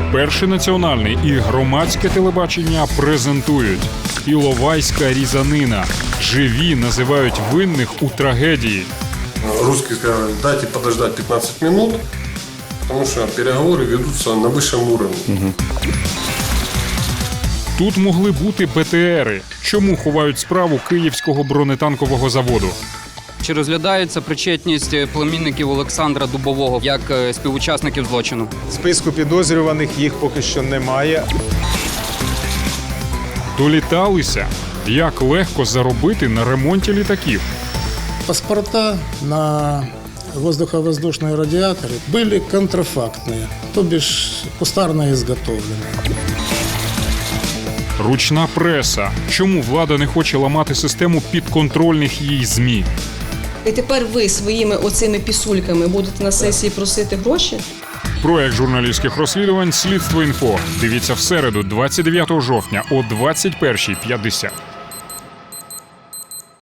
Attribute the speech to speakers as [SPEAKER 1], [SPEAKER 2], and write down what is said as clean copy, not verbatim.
[SPEAKER 1] Перший національний і громадське телебачення презентують «Іловайська різанина». Живі називають винних у трагедії.
[SPEAKER 2] Русские сказали, дайте подождать 15 минут, потому что переговоры ведутся на высшем уровне.
[SPEAKER 1] Тут могли бути БТРи. Чому ховають справу Київського бронетанкового заводу?
[SPEAKER 3] Чи розглядається причетність племінників Олександра Дубового як співучасників злочину?
[SPEAKER 4] Списку підозрюваних їх поки що немає.
[SPEAKER 1] Доліталися? Як легко заробити на ремонті літаків?
[SPEAKER 5] Паспорта на воздуховоздушные радиаторы были контрафактные, то бишь кустарно изготовленные.
[SPEAKER 1] Ручна преса. Чому влада не хоче ламати систему підконтрольних їй ЗМІ?
[SPEAKER 6] І тепер ви своїми оцими пісульками будете на сесії просити гроші?
[SPEAKER 1] Проект журналістських розслідувань «Слідство інфо». Дивіться в середу, 29 жовтня о 21:50.